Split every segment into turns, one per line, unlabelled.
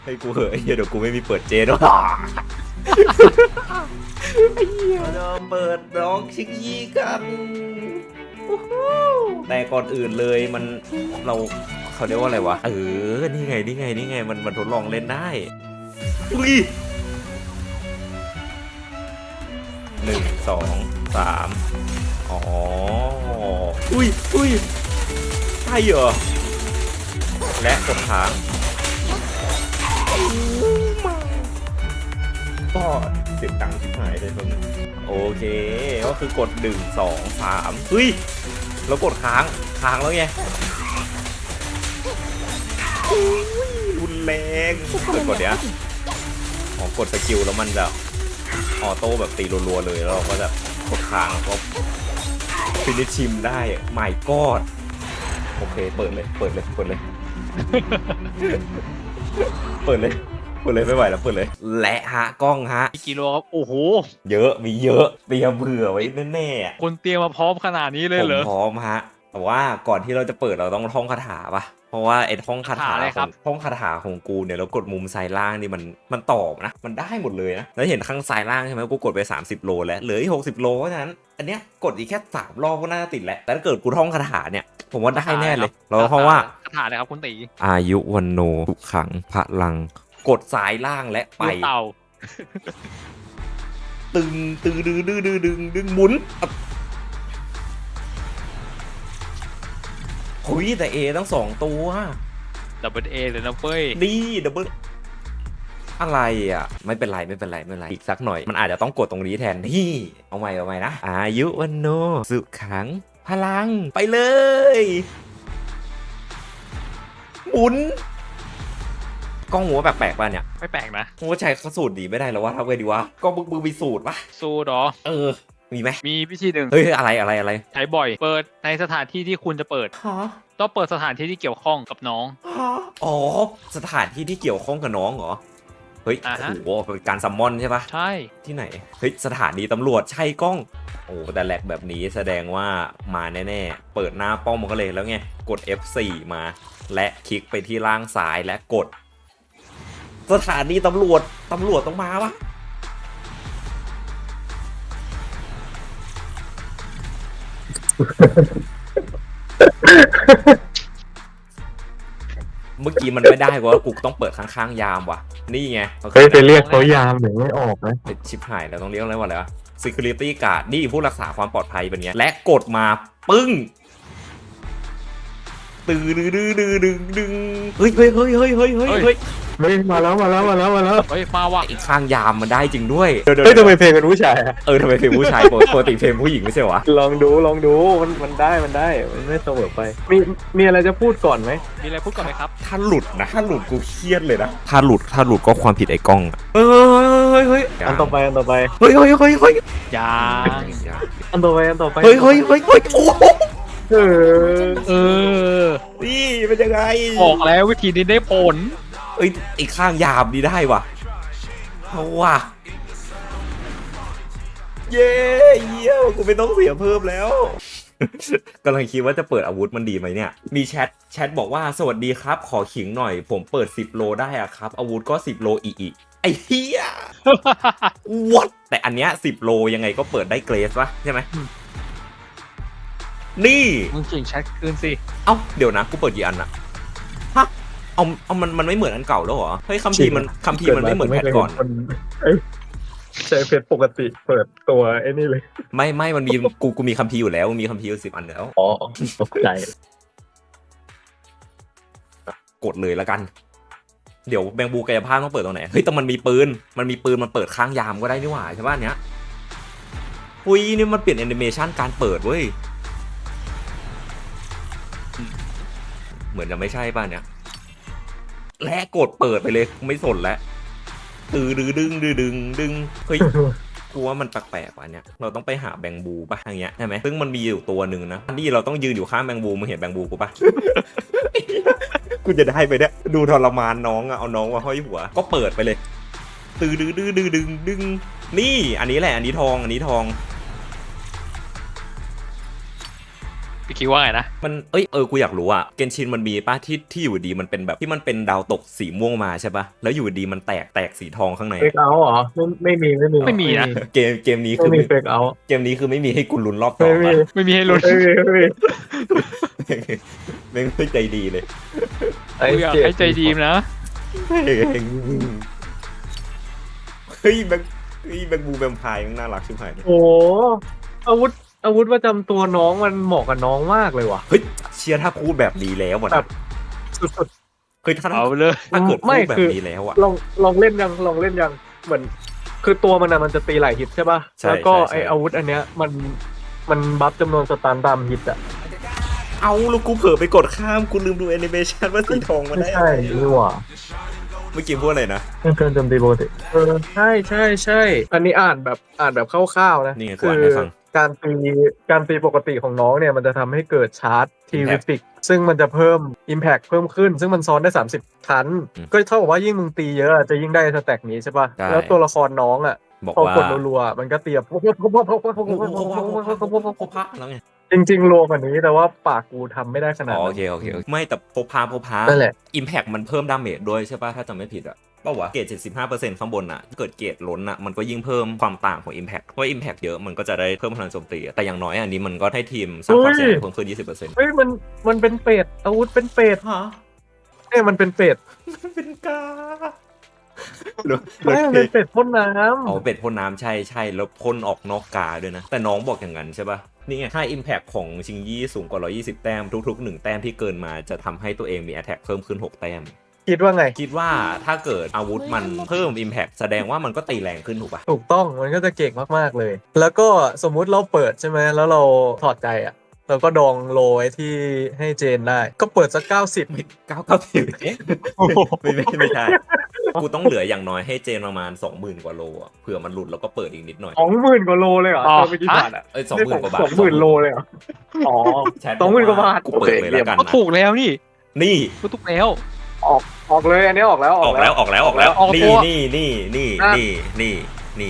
ให้กูเหอะไอ้เหี้ยเดี๋ยวกูไม่มีเปิดเจนหรอกไอ้เหี้ยเราเปิดร้องชิคกี้กันแต่ก่อนอื่นเลยมันเราเขาเรียกว่าอะไรวะนี่ไงมันทดลองเล่นได้อุ้ย1 2 3อ๋ออุ้ยใช่เหรอและกดค้างก็เสียงดังชิบหายเลยมึงโอเคก็คือกด1 2 3เฮ้ยแล้วกดค้างแล้วไงรุนแรงกดเนี้ยกดสกิลแล้วมันจะออโต้แบบตีรัวๆเลยแล้วเราก็จะกดค้างแล้วก็ฟินิชชิมได้ไม่กอดโอเคเปิดเลยไม่ไหวแล้วเปิดเลยและฮะกล้องฮะ
กิโลครับโอ้โห
เยอะมีเยอะเตรียมเผื่อไว้แน่
ๆคุณเตรียมมาพร้อมขนาดนี้เลยเหรอ
ผมพร้อมฮะแต่ว่าก่อนที่เราจะเปิดเราต้องท่องคาถาป่ะเพราะว่าไอ้ท่องคาถาท่องคาถาของกูเนี่ยแล้วกดมุมซ้ายล่างนี่มันตอบนะมันได้หมดเลยนะแล้วเห็นข้างซ้ายล่างใช่ไหมกูกดไป30 โลแล้วเหลืออีก60 โลเพราะฉะนั้นอันเนี้ยกดอีกแค่3 รอบก็น่าจะติดแล้วแต่ถ้าเกิดกูท่องคาถาเนี่ยผมว่าได้แน่เลยเราเพราะว่า
คาถาเลยครับคุณตี
อายุวันโนทุกขังพลังกดซ้ายล่างและไป
เต่า
ตึงดึงหมุนคุยแต่ A ตั้ง2 ตัว
ดับเบิลเอเลยนะเฟ้ย
ดีดับเบิลอะไรอ่ะไม่เป็นไรอีกสักหน่อยมันอาจจะต้องกดตรงนี้แทนที่เอาใหม่นะอายุวันโนสุขังพลังไปเลยหมุนกล้องหัวแปลกๆป่ะเนี่ย
ไม่แปลกนะ
หัวใจเขาสูตรดีไม่ได้แล้ววะทำไงดีวะก็มึงมีสูตรปะ
สูตรหรอ
มีไหม
มีวิธีหนึ่ง
เฮ้ยอะไร
ใช้บ่อยเปิดในสถานที่ที่คุณจะเปิดต้องเปิดสถานที่ที่เกี่ยวข้องกับน้อง
อ๋อสถานที่ที่เกี่ยวข้องกับน้องเหรอเฮ้ยโอ้โหเป็นการซัมมอนใช่ปะ
ใช่
ที่ไหนเฮ้ยสถานีตำรวจใช่กล้องโอ้แต่แหลกแบบนี้แสดงว่ามาแน่ๆเปิดหน้าป้อมมันก็เลยแล้วไงกด F4 มาและคลิกไปที่ล่างซ้ายและกดสถานีตำรวจต้องมาวะเมื่อกี้มันไม่ได้ว่ากูต้องเปิดข้างๆยามว่ะนี่ไง
เฮ้ยไปเรียกเขายามหรือไม่ออกนะ
ชิบหายแล้วต้องเรียกอะไรวะsecurity guard นี่ผู้รักษาความปลอดภัยเป็นเงี้ยและกดมาปึ้งตึงดึงเฮ้ย
มาแล้ว
เฮ้ยมาว่ะ
อีกข้างยามมันได้จริงด้วย
เฮ้ยทำไมเพลงเป็นผู้ชาย
ทำไมเพลงผู้ชายปกติเพลงผู้หญิงไม่ใช่วะ
ลองดูมันได้มันไม่เสมอไปมีอะไรจะพูดก่อนไหม
มีอะไรพูดก่อนไหมครับ
ถ้าหลุดกูเครียดเลยนะถ้าหลุดก็ความผิดไอ้กล้องเฮ้ย
อันต่อไป
เฮ้ย
ยา
อันต่อไป
เฮ้ยโอ้นี่เป็นยังไง
บอกแล้ววิธีนี้ได้ผล
อีกข้างยามดีได้ว่ะเอาว่ะเย้กูไม่ต้องเสียเพิ่มแล้วกำลังคิดว่าจะเปิดอาวุธมันดีไหมเนี่ยมีแชทบอกว่าสวัสดีครับขอขิงหน่อยผมเปิด10 โลได้อะครับอาวุธก็10 โลอีกไอ้เหี้ย what แต่อันเนี้ย10 โลยังไงก็เปิดได้เกรสวะใช่ไหมนี่
มึงเก่งแชทคืนสิ
เอ้าเดี๋ยวนะกูเปิดกี่อันอะฮะเอามันไม่เหมือนอันเก่าแล้วเหรอเฮ้ยคัมภีร์มันไม่เหมือนแพทก่อน
ใช้เพชรปกติเปิดตัวไอ้นี่เลย
ไม่มันมีกูมีคัมภีร์อยู่แล้วมีคัมภีร์10 อันแล้ว
อ๋อตกใจ
กดเลยแล้วกันเดี๋ยวแบงบูกายภาพต้องเปิดตรงไหนเฮ้ยแต่มันมีปืนมันเปิดข้างยามก็ได้นี่หว่าใช่ป่ะเนี้ยอุ้ยนี่มันเปลี่ยนแอนิเมชันการเปิดเว้ยเหมือนจะไม่ใช่ป่ะเนี่ยและกดเปิดไปเลยไม่สนแล้วดึงเฮ้ยกูว่ามันแปลกๆว่ะเนี่ยเราต้องไปหาแบงบูป่ะอย่างเงี้ยใช่ไหมซึ่งมันมีอยู่ตัวหนึ่งนะนี่เราต้องยืนอยู่ข้างแบงบูมึงเห็นแบงบูกูป่ะ กูจะได้ไปเนี่ยดูทรมานน้องอะเอาน้องมาห้อยหัวก็เปิดไปเลยดึงนี่อันนี้แหละอันนี้ทอง
พี่คิดว่าไงนะ
มันกูอยากรู้อะเกนชินมันมีป่ะที่อยู่ดีมันเป็นแบบที่มันเป็นดาวตกสีม่วงมาใช่ป่ะแล้วอยู่ดีมันแตกสีทองข้างใน
เฟกเอาเหรอไม่มี
ไม่มีนะ
เกมนี้
ไม่
คือ
มีเฟกเอา
เกมนี้คือไม่มีให้กูลุ้นรอบต่อ
ไม่มี
ปะ
ไม่มีให้ลุ้น
ไม่มี
แม่งไม่ใจดีเลย
กูอยากให้ใจดีมนะ
เฮ้ยแบงบูแบมพายมันน่ารักชิบหายเลย
โอ้อาวุธประจำตัวน้องมันเหมาะกับน้องมากเลยว่ะ
เฮ้ยเชียร์ถ้าพูดแบบนี้แล้วอะ
แบ
นะ
บ สุด
เฮ้ยถ้า
เอาเลย
ถ้าเกิด
ไม่
พูดแบ
คื
บ
อ
นี้แล้วอะ
ลองเล่นยังเหมือนคือตัวมันอะมันจะตีหลายฮิตใช่ป่ะ
ใช่
แล้วก็
ใช่
ไออาวุธอันเนี้ยมันบัฟจำนวนสตาร์ตามฮิตอะ
เอาแล้วกูเผลอไปกดข้ามกูลืมดูแอนิเมชันว่าสีทองมัน
ไม่
ได้
ใช่นี่หว่า
เมื่อกี้พูดอะไรนะ
เครื่องโจมตีปกติใช่อันนี้อ่านแบบคร่าวๆนะ
นี่ไงกู
คื
อ่านให้ฟัง
การตีปกติของน้องเนี่ยมันจะทำให้เกิดชาร์จทีวิ
Impact
ฟิกซึ่งมันจะเพิ่ม Impact เพิ่มขึ้น ซึ่งมันซ้อนได้30ครั้ง
อืม
ก็เท่ากับว่ายิ่งมึงตีเยอะจะยิ่งได้สแต็กนี้ใช่ป่ะ
ใช่
แล้วตัวละครน้องอ่ะ
บอก
พอ
ว่าก
ดรัวๆมันก็เตียบ
แล้วไง
จริงๆรวมกว่านี้แต่ว่าปากกูทำไม่ได้ขนาด
อ๋อ
นั้
โอน เคไม่แต่พกพา
นั่นแหละ
อิมแพคมันเพิ่มดาเมจด้วยใช่ป่ะถ้าจำไม่ผิดอะเปล่าวะเกรด75%ข้างบนอะเกิดเกรดล้นอะมันก็ยิ่งเพิ่มความต่างของ Impact เพราะ Impact เยอะมันก็จะได้เพิ่มพลังโจมตีแต่อย่างน้อยอันนี้มันก็ให้ทีมสร้างความเสียหายเพิ่มขึ้น 20%
เฮ้ยมันเป็นเป็ดอาวุธเป็นเป็ด
ฮะ
เนี่ยมันเป็นเป็ด
เป็นกา
ไม่มันเป็นเป็ดพ่นน้
อ๋อเป็ดพ่นน้ำใช่แล้วพ่นออกนอกกาด้วยนะ แต่น้องบอกอย่างนั้นใช่ป่ะ นี่ไงถ้า Impact ของชิงยี่สูงกว่า 120 แต้มทุกๆ 1 แต้มที่เกินมาจะทำให้ตัวเองมี Attack เพิ่มขึ้น 6 แต้ม
ำคิดว่าไง
คิดว่าถ้าเกิดอาวุธมันเพิ่ม Impact แสดงว่ามันก็ตีแรงขึ้นถูกป่ะ
ถูกต้องมันก็จะเก่งมากๆเลย แล้วก็สมมุติเราเปิดใช่ไหมแล้วเราถอดใจอ่ะเราก็ดองโลไว้ที่ให้เจนได้ ก็เปิดสัก90
990ไม่ใช่ กูต้องเหลืออย่างน้อยให้เจนประมาณ 20,000 กว่าโลอ่ะเผื่อมันหลุดแล้วก็เปิดอีกนิดหน่อย
20,000 กว่าโลเลยเหรอ
อ๋อ
ตัวไปกี่บาทอ่ะ
20,000 กว่าบาท
20,000 โลเลยเหรออ๋อ
แชท
20,000 กว่าบาท
กูเปิดเลยแล้วกัน
ก็
นะ
ถูกแล้วนี่
นี่
ก็ถูกแล้ว
ออกเลยอันนี้ออกแล้ว
ออกแล้ว
ออก
นี่
ตัว
นี่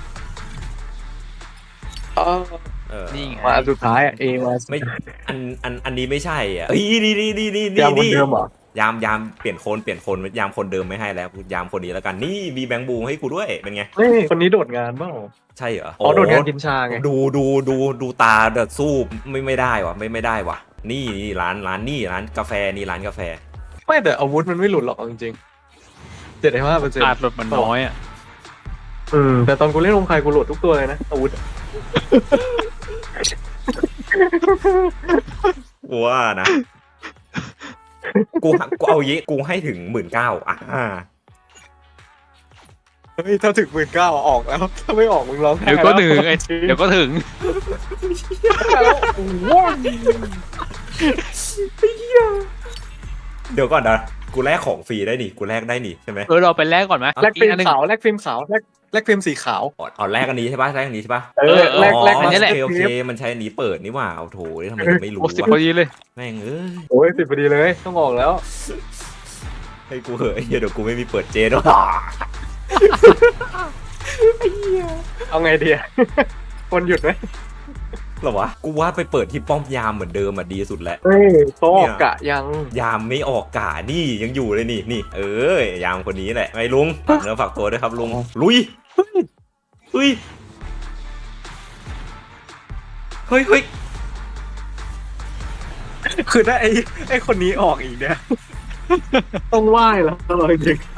อ๋อ
นี่ไง
มาอันสุดท้ายอ่ะเอมา
ไม่อันนี้ไม่ใช่อ่ะนี่
ยังคนเดิมเหรอย
ามเปลี่ยนคนยามคนเดิมไม่ให้แล้วยามคนนี้แล้วกันนี่มีแบงค์บูให้กูด้วยเป็นไง
นี่คนนี้โดดงานเปล่า
ใช่เหรอ
อ๋อโดดงานกินชาไง
ดูตาเดือดสู้ไม่ได้ว่ะไม่ได้ว่ะนี่ร้านกาแฟนี่ร้านกาแฟ
ไม่แต่อาวุธมันไม่หลุดหรอกเอาจริงๆ75%
อาจหลุดมันน้อยอ่ะ
แต่ตอนกูเล่นลงใครกูโหลดทุกตัวเลยนะอาวุธ
กูว่านะกูเอาเยกูให้ถึง 19,000
เฮ้ยถ้าถึง19,000ออกแล้ว ถ้าไม่ออกมึงร้องไห้
เดี๋ยวก็ถึงไอ้เดี๋ยวก็ถึง
แล้วโอ้โห
เดี๋ยวก่อนนะกูแลกของฟรีได้นี่กูแลกได้นี่ใช่ไหม
เราไปแลกก่อนไหม
แลกฟิล์ม
อีอันหนึ่ง
ขาวแลกฟิล์มขาวแลกฟิล์มสีขาว
เอาแลกอันนี้ใช่ปะแลกอันนี้ใช่ปะ
แลก
อันนี้แหละ
โอเคมันใช้อันนี้เปิดนี่หว่าเอาโถทำไมจะไม่รู้
โอ้สิบ
วะ
พอดีเลย
แม่งเอ้ย
โอ้ย10พอดีเลยต้องออกแล้ว
ให้กูเหอะไอ้เหี้ยเดี๋ยวกูไม่มีเปิดเจนหรอก
เอาไงดีอะ คนหยุดไหม
หรอวะกูว่าไปเปิดที่ป้อมยามเหมือนเดิมอ่ะดีสุดแหละ
เฮ้ยเขาออกกะยัง
ยามไม่ออกกานี่ยังอยู่เลยนี่ยามคนนี้แหละไงลุงฝากเนื้อฝากตัวด้วยครับลุงลุยเฮ้ย
คือถ้าไอ้คนนี้ออกอีกเนี่ย ต้องไหว้แล้วเราจริง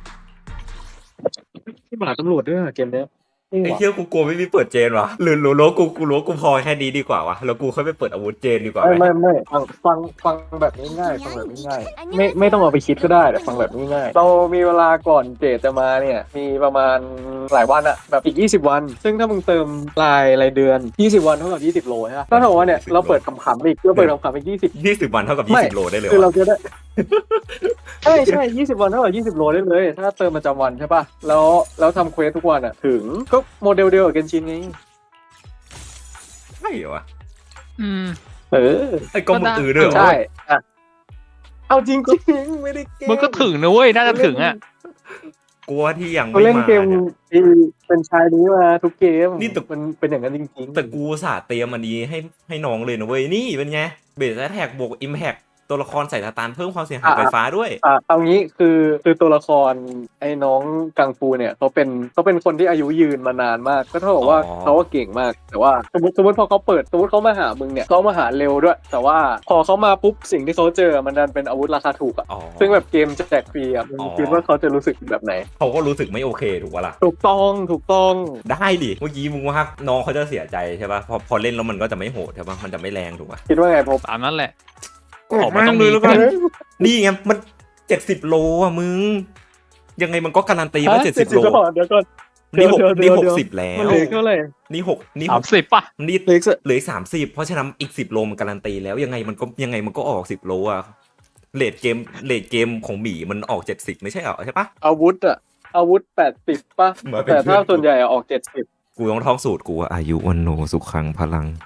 ที่หมาตำรวจด้วยอะเกมเนี้ย
ไอ้เหี้ยกูกลัวไม่มีเปิดเจนวะหรือรู้กูรู้กูพอแค่นี้ดีกว่าวะแล้วกูค่อยไปเปิดอาวุธเจนดีกว่าไหม
ไม่ฟังแบบง่ายๆฟังแบบง่ายๆไม่ต้องเอาไปคิดก็ได้แต่ฟังแบบง่ายๆเรามีเวลาก่อนเจตจะมาเนี่ยมีประมาณหลายวันอะแบบอีก20 วัน ซึ่งถ้ามึงเติมรายเดือน20 วันเท่ากับ20 โลใช่ไหมถ้าถือว่าเนี่ยเราเปิดขำๆอีกเราเปิดขำๆอีก
20 วันเท่ากับ20 โลได้เลย
คือเรา
วะ
จะได้ ใช่20 วันเท่ากับ20 โลได้เลย ถ้าเติมประจำวันใช่ป่ะแล้วทำเควสทุกวันอ่ะถึงก็โมเดลเดียวกับเกนชินไง
ใช่เหรอวะ
เออ
ไอ้ก็มึงด้วยเหรอ
ใช่อ่ะเอาจริงๆไม่ได้แกล้ง
มันก็ถึงนะเว้ยน่าจะถึงอ่ะ
กลัวที่ยัง
เขา
ไม่
เล่น
มา
เกม
เนี่ย
ที่เป็นชายนี้มาทุกเกม
นี่แต่
มันเป็นอย่างนั้นจริงๆ
แต่กูอุตสาห์เตรียมอันนี้ให้น้องเลยนะเว้ยนี่เป็นไงเบสแท็กบวกอิมแพคตัวละครใส่สตาร์เพิ่มความเสียหายไฟฟ้าด้วย
เอางี้คือตัวละครไอ้น้องกังฟูเนี่ยเขาเป็นคนที่อายุยืนมานานมาก ก็เท่ากับว่า
อ๋อ
เขาก็เก่งมาก แต่ว่าสมมติพอเขาเปิดสมมติเขามาหามึงเนี่ยเขามาหาเร็วด้วย แต่ว่าพอเขามาปุ๊บสิ่งที่เขาเจอมันดันเป็นอาวุธราคาถูกอ่ะ
อ๋อ
ซึ่งแบบเกมแจกฟรีอ่ะมึง
อ๋อ
คิดว่าเขาจะรู้สึกแบบไหน
เขาก็รู้สึกไม่โอเคถูกปะล่ะ
ถูกต้อง
ได้ดิเมื่อกี้มึงว่าน้องเขาจะเสียใจใช่ปะพอเล่นแล้วมันก็จะไม่โหดใช่ปะมันจะไม่แรงถูกปะ
คิดว่าไงพบ
ตามนั้นแหละ ออกมาต้องมี
เลยแล้วกัน
นี่ไงมัน70 โลอ่ะมึงยังไงมันก็การันตีว่า70 โล
เดี๋ยวก่อน
นี่หก
เดี๋
นี่
ยว
60 แล้ว
มันเหลือเท่าไหร่
นี่
30ป่ะ
นี่
เหลืออีกสัก
เหลือ30เพราะฉะนั้นอีก10 โลมันการันตีแล้วยังไงมันก็ออก10 โลอ่ะเลทเกมของหมีมันออก70ไม่ใช่เหรอใช่ปะ
อาวุธ80ป่ะ
มาเป็น
แต่ถ้า
เพื่อน
ส่วนใหญ่อะออก70
กูต้องท่องสูตรกูว่าอายุวันโนสุขังพลัง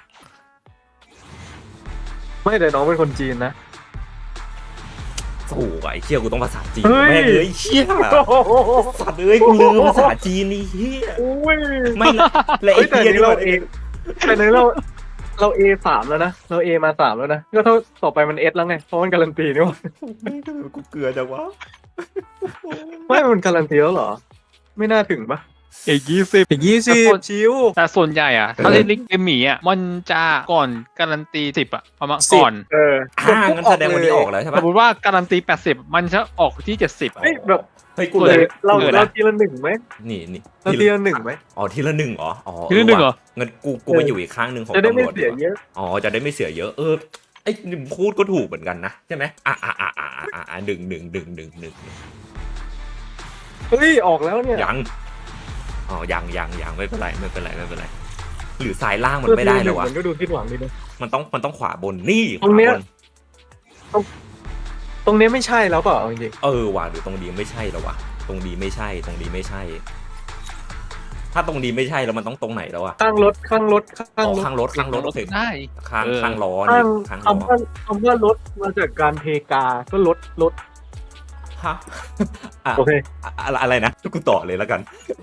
ไม่แต่น้องเป็นคนจีนนะ
โอ้ไอ้เชี่ยกูต้องภาษาจีน
เฮ้ย
แม่งเลยเชี่ยสัตว์เอ้ยกูลืมภาษาจีนนี่เฮีย
อุ้ย
ไม่ละและไอ้
แต่
เฮีย
นี้
นี่
เรา
มัน
เอแต่นี้เรา A3 แล้วนะเรา A มา3แล้วนะก็เท่าต่อไปมัน S แล้วไงเพราะมันการันตีนี่หว่า
กูเกลือจังวะ
ไม่มันการันตีแล้วเหรอ ไม่น่าถึงปะ
อีก20
อีกชิว
แต่ส่วนใหญ่อ่ะ ถ้าเล่นลิงเกมหมีอ่ะ มันจะก่อนการันตี10อ่ะ ประมาณก่อน
งั้นแสดงวันนี้ออกแล้วใช่
ส
ปะ
มมติว่าการันตี80มันจะออกที่70อ่ะ
เฮ้ยแบบ
เฮ้ยกู
เกิ
เล
ด
ย
เรา
เกิด
เรา
นะ
ทีละหนึ่งไหม
นี่
เราทีละหนึ่งไหม
อ๋อทีละหนึ่งเหรออ๋อ
ทีละหนึ่งเหรอ
งั้นกูไปอยู่อีกข้างหนึ่งของ
จะได้
ตำร
ไม่
วจ
เสียเยอะ
อ๋อจะได้ไม่เสียเยอะไอ้นี่พูดก็ถูกเหมือนกันนะใช่ไหมหนึ่ง
เฮ้ยออกแล้วเนี่ย
ยังอ๋อยังไม่เป็นไรหรือสายล่างมันไม่ได้เลยวะ
มันก็ดูคิดหวังดีนะ
มันต้องขวาบนนี่ข
ตรง
วา
เนี้ย
บน
ตรงนี้ไม่ใช่แล้วเปล่าเอาจริง
ว่ะหรือตรงดีไม่ใช่แล้ววะตรงดีไม่ใช่ ถ้าตรงดีไม่ใช่แล้วมันต้องตรงไหนแล้วอะ
ๆข้างรถ
ข้างรถโอเค
ได้
ข้างล้อ
ข้า
นี่
ง
ข้างล้อ
คำว่ารถมาจากการเทกาก็รถ
ฮะอ่ะ
โอเค
อะไรนะกูต่อเลยแล้วกัน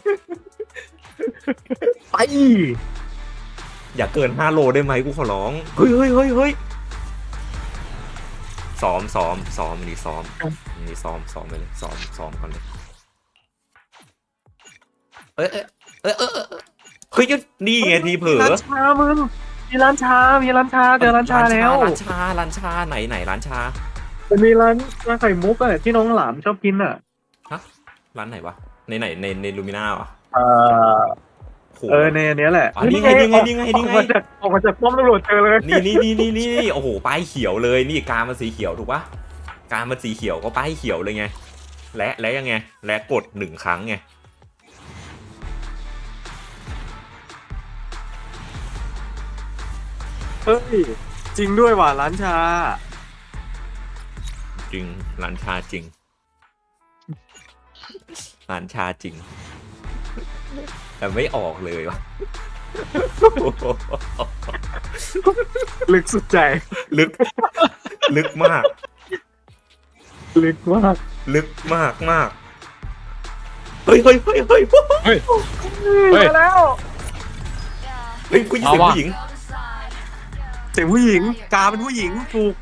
ไป
อย่าเกิน5 โลได้ไหมกูขอร้องเฮ้ยซ้อมนี่ซ้อมไปเลยซ้อมก่อนเลยเฮ้ยนี่ไงทีเผลอ
ร้านชามึงมีร้านชาเจอร้านชาแล้ว
ร้านชาไหนร้านชา
มันมีร้านไข่มุกอะที่น้องหลามชอบกินอะ
ร้านไหนวะในลูมิน่าเหรอ โห
ในอันเนี้ยแหละ
อ๋อนี่ไง
ออกมาจากป้อมตำรวจเจอเลย
นี่โอ้โหป้ายเขียวเลยนี่การมันสีเขียวถูกปะการมันสีเขียวก็ป้ายเขียวเลยไงและยังไงและกด1 ครั้งไง
เฮ้ยจริงด้วยว่ะร้านชา
จริงร้านชาจริงร้านชาจริง แต่ไม่ออกเลยวะ
ลึกสุดใจ
ลึกมาก
ลึกมาก
เฮ้ย
เฮ้ย
มาแล้ว
เฮ้ยผู้หญิง
เอาว่ะ
ผู้หญิง
เสียงผู้หญิงกาเป็นผู้หญิงถูก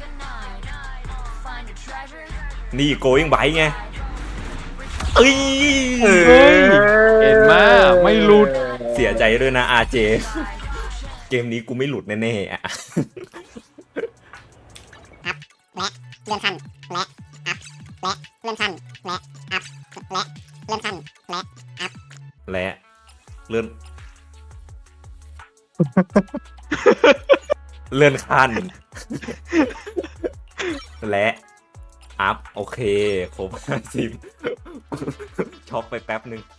นี่ going by ไงเอ้ย
เห็นไหมไม่หลุด
เสียใจด้วยนะ RJ เกมนี้กูไม่หลุดแน่ๆอ่ะ
และเลื่อนขั้นและอัพและเลื่อนขั้นและอัพและเลื่อนขั้นและอัพ
และเลื่อน เลื่อนขั้น และอัพโอเคครบ50ช็อกไปแป๊บนึง